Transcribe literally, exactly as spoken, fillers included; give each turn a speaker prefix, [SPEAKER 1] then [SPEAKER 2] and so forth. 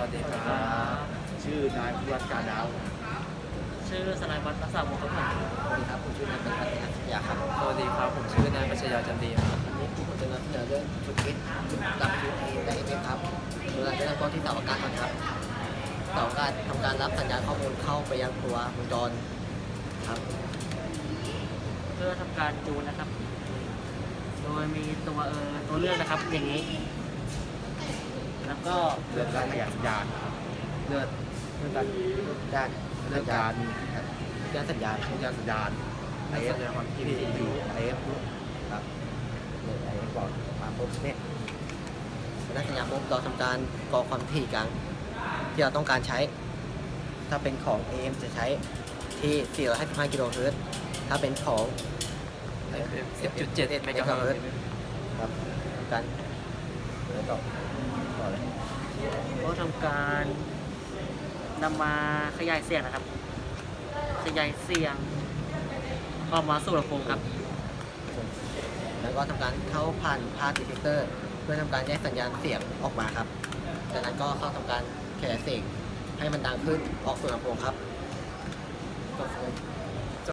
[SPEAKER 1] วัสดีครับ
[SPEAKER 2] ชื่อนายพิวัฒน์การดาว
[SPEAKER 3] ชื่อสนายวัฒน์รักษาวงศ์ครับผม
[SPEAKER 4] สวัสดีครับผมชื่อนายเป็นพัฒนาสัญญาครับ
[SPEAKER 1] สวัสดีครับ ผมชื่อนายปัชญาจันดีครับ
[SPEAKER 4] วันนี้ผมจะนำเสนอเรื่องชุดคิดชุดรับชุดเอได้เอฟครับโดยเราจะเริ่มต้นที่เสาอากาศก่อนครับเสาอากาศทำการรับสัญญาณข้อมูลเข้าไปยังตัววงจรครับ
[SPEAKER 3] เพื่อทำการจูนนะครับ โดยมีตัวเออตัวเลือกนะครับอย่างนี้ แล้วก็
[SPEAKER 2] เรื่องการขยายสัญญาณ
[SPEAKER 4] เลือด
[SPEAKER 2] เรื่องการ
[SPEAKER 4] ด้าน
[SPEAKER 2] เรื่องการ
[SPEAKER 4] ด้านสัญญาณ
[SPEAKER 2] สัญญาณสัญญาณไอเอฟความถี่อยู่ไอเอฟ
[SPEAKER 4] ครับเนี่ยไอ้บอกมาปุ๊บเนี่ยด้านสัญญาณปุ๊บเราทำการกรอกความถี่กลางที่เราต้องการใช้ ถ้าเป็นของ เอ เอ็ม จะใช้ที่ สี่ร้อยห้าสิบห้า กิโลเฮิรตซ์ถ้าเป็นของ
[SPEAKER 1] สิบจุดเจ็ด
[SPEAKER 4] เมกะเฮิรตซ์ครับทำการแล้วต่อต่อเลย
[SPEAKER 3] ก็ทำการนำมาขยายเสียงนะครับ ขยายเสียงออกมาสู่ลำโพงครับ
[SPEAKER 4] แล้วก็ทำการเข้าผ่านพาสดีเทคเตอร์เพื่อทำการแยกสัญญาณเสียงออกมาครับจากนั้นก็เข้าทำการขยายเสียงให้มันดังขึ้นออกสู่ลำโพงครับก็คือ